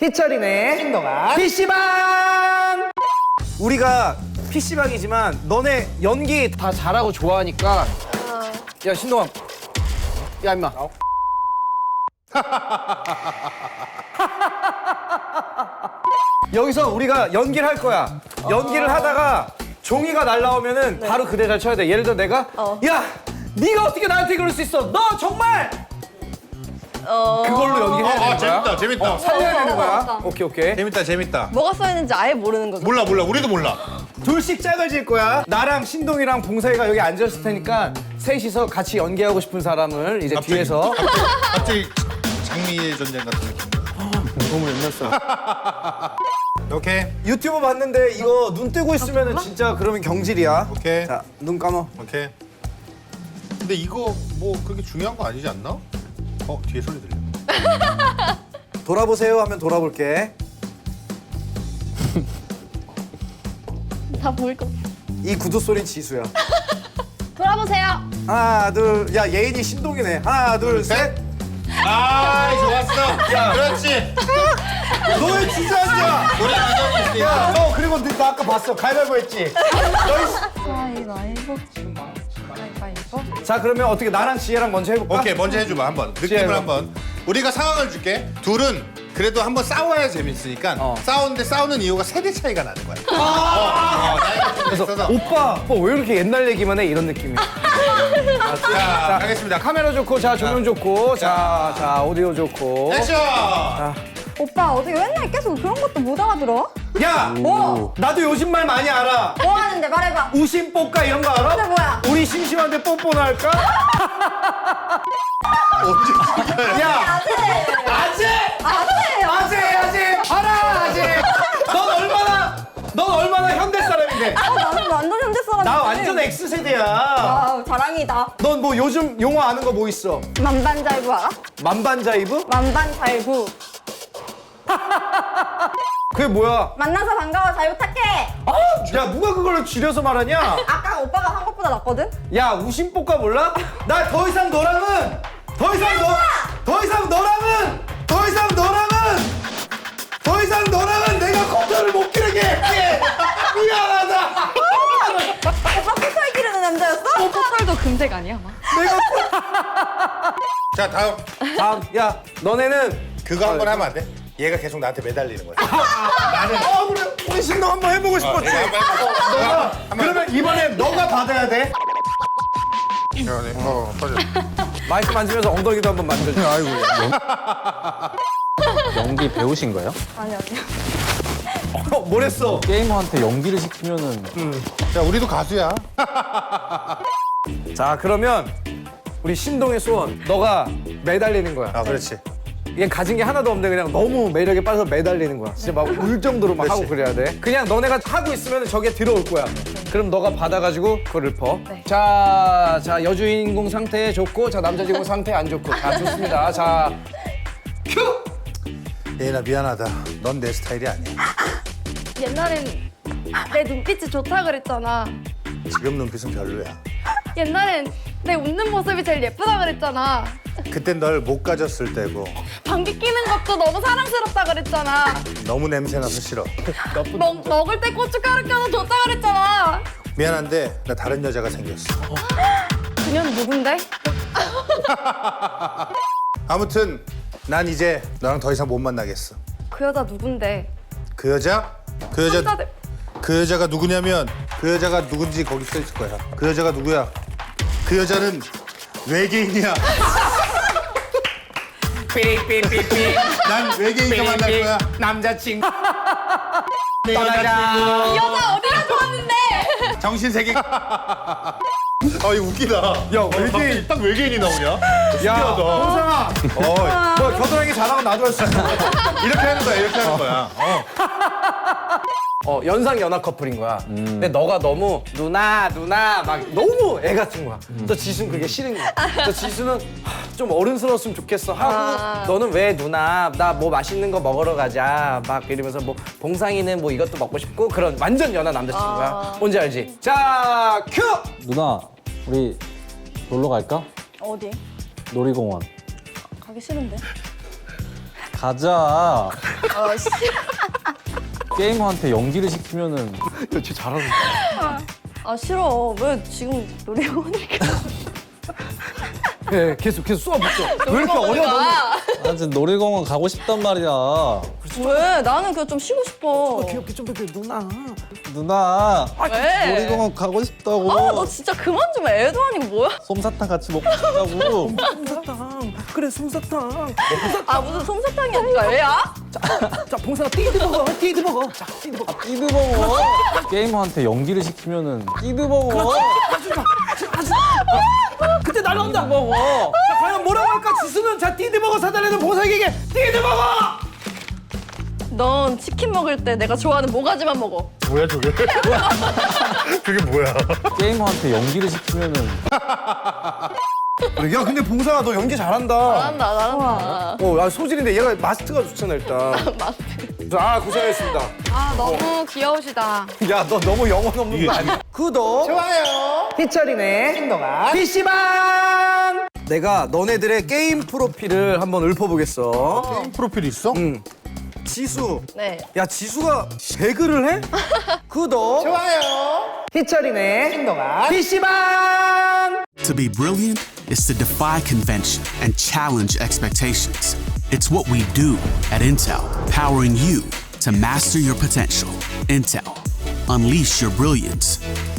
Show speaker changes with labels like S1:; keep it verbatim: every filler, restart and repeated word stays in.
S1: 희철이네
S2: 신동아
S1: 피씨방. 우리가 피씨방이지만 너네 연기 다 잘하고 좋아하니까 야 신동아 야 임마 여기서 우리가 연기를 할 거야. 연기를 하다가 종이가 날라오면은 바로 그 대사를 쳐야 돼. 예를 들어 내가
S3: 어.
S1: 야 네가 어떻게 나한테 그럴 수 있어? 너 정말 그걸로 연기해야 되는
S2: 아,
S1: 거야.
S2: 재밌다 재밌다
S1: 어, 살려야 되는 거야.
S3: 맞다.
S1: 오케이 오케이.
S2: 재밌다 재밌다
S3: 뭐가 써있는지 아예 모르는 거죠.
S2: 몰라 몰라 우리도 몰라
S1: 둘씩 짝을 질 거야. 나랑 신동이랑 봉사이가 여기 앉아있을 테니까 셋이서 같이 연기하고 싶은 사람을 이제
S2: 갑자기,
S1: 뒤에서
S2: 갑자기, 갑자기 장미의 전쟁 같은 느낌
S1: 너무 옛날 사람.
S2: 오케이
S1: 유튜브 봤는데 이거 눈 뜨고 있으면 진짜 그러면 경질이야.
S2: 오케이
S1: 자, 눈 감아.
S2: 오케이 근데 이거 뭐 그렇게 중요한 거 아니지 않나? 어 뒤에 소리 들려
S1: 돌아보세요 하면 돌아볼게.
S3: 다 보일 것 같아.
S1: 이 구두 소린 지수야.
S3: 돌아보세요.
S1: 하나, 둘. 야, 예인이 신동이네. 하나, 둘, 셋.
S2: 아 좋았어 야 그렇지
S1: 너의 주저앉아.
S2: 우리 기념이 있으니까
S1: 야, 너 그리고 너 아까 봤어. 가위바위보 했지.
S3: 가위바위보. 가위바위보.
S1: 자, 그러면 어떻게 나랑 지혜랑 먼저 해볼까?
S2: 오케이 먼저 해줘봐 한번
S1: 지혜가.
S2: 느낌을 한번 우리가 상황을 줄게 둘은 그래도 한번 싸워야 재밌으니까
S1: 어.
S2: 싸우는데 싸우는 이유가 세대 차이가 나는 거야 어, 어, 나이가 좀
S1: 그래서
S2: 있어서
S1: 오빠, 오빠 왜 이렇게 옛날 얘기만 해? 이런 느낌이야.
S2: 자 가겠습니다
S1: 카메라 좋고, 자, 조명 좋고, 자, 자, 오디오 좋고.
S2: 액션
S4: 오빠 어떻게 맨날 계속 그런 것도 못 알아들어?
S1: 야!
S4: 뭐?
S1: 나도 요즘 말 많이 알아.
S4: 뭐 하는데 말해봐.
S1: 우심 뽀까 이런 거 알아?
S4: 그게 뭐야?
S1: 우리 심심한데 뽀뽀나 할까?
S2: 언제 진짜야
S1: 야!
S4: 아재!
S1: 아재!
S4: 아재!
S1: 아재! 아재! 알아! 아재! 넌 얼마나, 넌 얼마나 현대 사람인데?
S4: 어, 나는 완전 현대 사람이지.
S1: 나 완전 X세대야.
S4: 와우 자랑이다.
S1: 넌 뭐 요즘 용어 아는 거 뭐 있어?
S4: 만반잘부 알아?
S1: 만반자이브?
S4: 만반잘부.
S1: 그게 뭐야?
S4: 만나서 반가워 잘 부탁해.
S1: 아, 야, 누가 그걸로 줄여서 말하냐?
S4: 아까 오빠가 한 것보다 낫거든?
S1: 야, 우심뽀까 몰라? 나 더 이상 너랑은 더 이상 너, 더 이상 너랑은 더 이상 너랑은 더 이상 너랑은 내가 컨트롤을 못 기르게 할게. 미안하다.
S4: 오빠 코털 기르는 남자였어?
S3: 포털도 금색 아니야, 아마?
S1: 내가
S2: 자 다음
S1: 다음, 야, 너네는
S2: 그거 한 번 하면 안 돼? 얘가 계속 나한테 매달리는 거야
S1: 나는 어 그래 우리 신동 한번 해보고 싶었지.
S2: 얘가 한번 해봐.
S1: 너가 그러면 이번에 너가 받아야 돼.
S2: 야, 네. 어, 빠져.
S1: 마이크 만지면서 엉덩이도 한번 만져줘.
S2: 아이고.
S5: 연기 배우신 거예요?
S4: 아니 아니.
S1: 어, 뭐랬어?
S5: 게이머한테 연기를 시키면은
S2: 자, 우리도 가수야.
S1: 자, 그러면 우리 신동의 소원, 너가 매달리는 거야.
S2: 아, 그렇지.
S1: 얘 가진 게 하나도 없는데 그냥 너무 매력에 빠져서 매달리는 거야. 진짜 막 울 정도로 막 하고 그래야 돼. 그냥 너네가 하고 있으면 저게 들어올 거야. 그럼 너가 받아가지고 그걸 읊어.
S3: 네.
S1: 자, 자 여주인공 상태 좋고, 자 남자 주인공 상태 안 좋고 다 좋습니다. 자, 큐!
S2: 예인아, 미안하다. 넌 내 스타일이 아니야.
S6: 옛날엔 내 눈빛이 좋다 그랬잖아.
S2: 지금 눈빛은 별로야.
S6: 옛날엔 내 웃는 모습이 제일 예쁘다 그랬잖아.
S2: 그땐 널 못 가졌을 때고
S6: 방귀 끼는 것도 너무 사랑스럽다 그랬잖아.
S2: 너무 냄새나서 싫어.
S6: 먹, 먹을 때 고춧가루 껴서 좋다 그랬잖아.
S2: 미안한데 나 다른 여자가 생겼어.
S6: 그녀는 누군데?
S2: 아무튼 난 이제 너랑 더 이상 못 만나겠어.
S6: 그 여자 누군데?
S2: 그 여자? 그 여자
S6: 남자들.
S2: 그 여자가 누구냐면 그 여자가 누군지 거기 써 있을 거야. 그 여자가 누구야? 그 여자는 외계인이야.
S1: 삐삐삐삐.
S2: 난 외계인과 만날 거야.
S1: 남자친구.
S6: 이
S1: 떠나자.
S6: 여자 어디가 좋았는데?
S2: 정신세계. 아 이거 웃기다.
S1: 야, 외계인.
S2: 딱 외계인이 나오냐?
S1: 야, 홍상아.
S2: 어
S1: 뭐 겨드랑이 잘하고 나도 할 수 있어.
S2: 이렇게 하는 거야. 이렇게 하는 거야. 어.
S1: 어, 연상 연하 커플인 거야. 근데 너가 너무 누나 누나 막 너무 애 같은 거야. 또 지수는 그게 싫은 거야. 또 지수는 하, 좀 어른스러웠으면 좋겠어 하고
S6: 아.
S1: 너는 왜 누나 나 뭐 맛있는 거 먹으러 가자 막 이러면서 뭐 봉상이는 뭐 이것도 먹고 싶고 그런 완전 연하 남자친구야.
S6: 아.
S1: 뭔지 알지? 자 큐!
S5: 누나 우리 놀러 갈까?
S4: 어디?
S5: 놀이공원.
S4: 가기 싫은데.
S5: 가자.
S6: 아 씨.
S5: 게이머한테 연기를 시키면은
S1: 야쟤 잘하는
S6: 아 싫어. 왜 지금 놀이공원을
S1: 예 계속 계속 쏘아붙여 왜 이렇게 어려워
S6: 가?
S5: 나 지금 놀이공원 가고 싶단 말이야.
S6: 왜? 나는 그냥 좀 쉬고 싶어.
S1: 귀엽게 좀 이렇게 누나
S5: 누나
S6: 왜?
S5: 놀이공원 가고 싶다고.
S6: 아, 너 진짜 그만 좀 해. 애도 아니고 뭐야?
S5: 솜사탕 같이 먹고 싶다고.
S1: 솜사탕 그래 솜사탕
S6: 아 무슨 솜사탕이 아니라 애야?
S1: 자 봉사가 띠드 먹어 띠드 먹어 자 띠드 먹어
S5: 끼드버거. 게이머한테 연기를 시키면은 끼드버거.
S1: 그때 날라온다
S5: 끼드버거.
S1: 자 과연 뭐라고 할까 지수는 자 띠드 먹어 사달라는 봉사에게 띠드 먹어
S6: 넌 치킨 먹을 때 내가 좋아하는 모가지만 먹어.
S2: 뭐야 저게? 그게 뭐야?
S5: 게이머한테 연기를 시키면은
S1: 야 근데 봉사가 너 연기 잘한다
S6: 잘한다, 잘한다.
S1: 어, 아, 소질인데 얘가 마스트가 좋잖아 일단
S6: 마스크.
S1: 아 고생했습니다
S3: 아 너무 귀여우시다.
S1: 야 너 너무 영혼 없는 거 아니야? 구독 좋아요 희철이네 신동아 피시방 내가 너네들의 게임 프로필을 한번 읊어보겠어
S2: 게임 프로필 있어?
S1: 응 지수
S6: 네.
S1: 야 지수가 배그를 해? 구독 좋아요 희철이네 신동아 피시방
S7: To be brilliant is to defy convention and challenge expectations. It's what we do at Intel, powering you to master your potential. Intel, unleash your brilliance.